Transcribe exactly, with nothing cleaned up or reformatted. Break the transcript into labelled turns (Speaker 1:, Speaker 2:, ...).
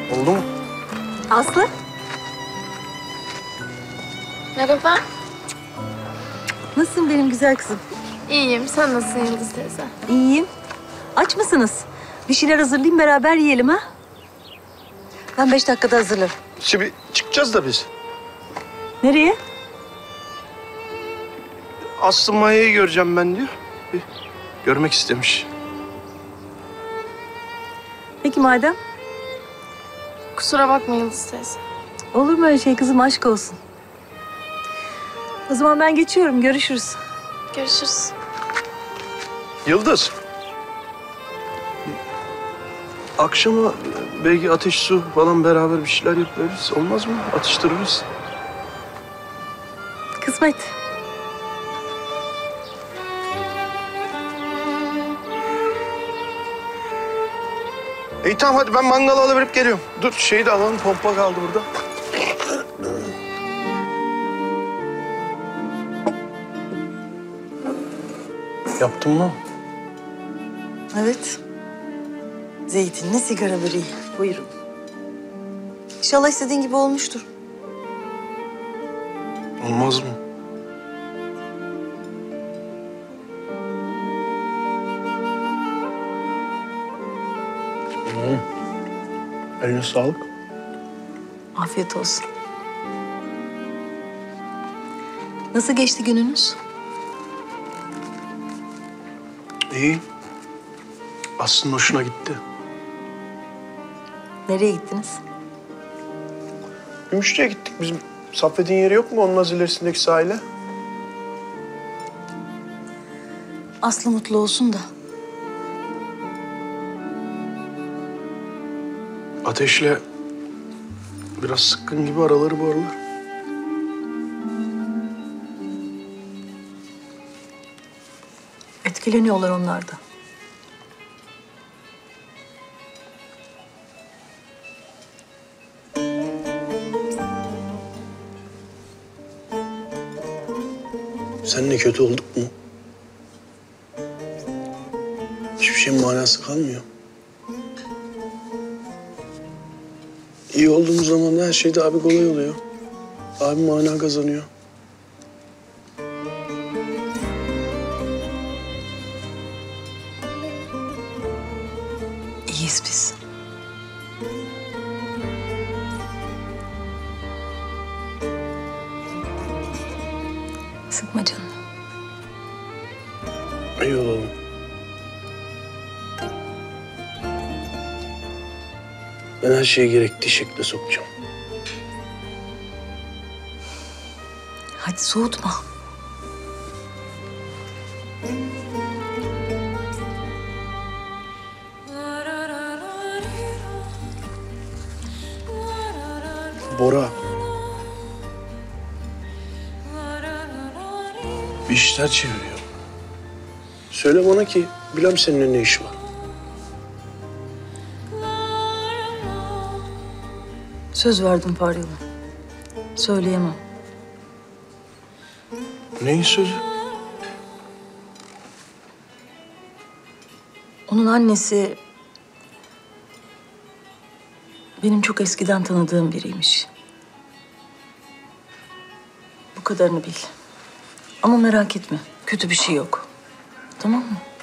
Speaker 1: Oldu mu?
Speaker 2: Aslı?
Speaker 3: Merhaba.
Speaker 2: Nasılsın benim güzel kızım?
Speaker 3: İyiyim. Sen nasılsın Yıldız teyze?
Speaker 2: İyiyim. Aç mısınız? Bir şeyler hazırlayayım, beraber yiyelim ha? Ben beş dakikada hazırlarım.
Speaker 1: Şimdi çıkacağız da biz.
Speaker 2: Nereye?
Speaker 1: Aslı Maya'yı göreceğim ben diyor. Bir görmek istemiş.
Speaker 2: Peki madem.
Speaker 3: Kusura bakma Yıldız teyze.
Speaker 2: Olur mu öyle şey kızım, aşk olsun. O zaman ben geçiyorum, görüşürüz.
Speaker 3: Görüşürüz.
Speaker 1: Yıldız. Akşama belki ateş su falan beraber bir şeyler yaparız. Olmaz mı? Atıştırırız.
Speaker 2: Kısmet.
Speaker 1: İyi tamam hadi ben mangalı alıverip geliyorum. Dur şeyi de alalım, pompa kaldı burada. Yaptın mı?
Speaker 2: Evet. Zeytinli sigara böreği. Buyurun. İnşallah istediğin gibi olmuştur.
Speaker 1: Olmaz mı? Hmm. Eline sağlık.
Speaker 2: Afiyet olsun. Nasıl geçti gününüz?
Speaker 1: İyi. Aslında hoşuna gitti.
Speaker 2: Nereye gittiniz?
Speaker 1: Gümüşlü'ye gittik. Bizim Saffet'in yeri yok mu? Onun az ilerisindeki sahile.
Speaker 2: Aslı mutlu olsun da.
Speaker 1: Ateşle biraz sıkkın gibi araları bu aralar.
Speaker 2: Etkileniyorlar onlar da.
Speaker 1: Seninle kötü olduk mu? Hiçbir şeyin manası kalmıyor. İyi olduğumuz zaman her şey de abi kolay oluyor. Abi mana kazanıyor.
Speaker 2: İyiyiz biz. Sıkma canını.
Speaker 1: İyi olalım. Ben her şeyi gerektiği şekilde sokacağım.
Speaker 2: Hadi soğutma.
Speaker 1: Bora. Bir işler çeviriyor. Söyle bana ki bilmem seninle ne işi var.
Speaker 2: Söz verdim Faryalı. Söyleyemem.
Speaker 1: Neyin sözü?
Speaker 2: Onun annesi benim çok eskiden tanıdığım biriymiş. Bu kadarını bil. Ama merak etme, kötü bir şey yok. Tamam mı?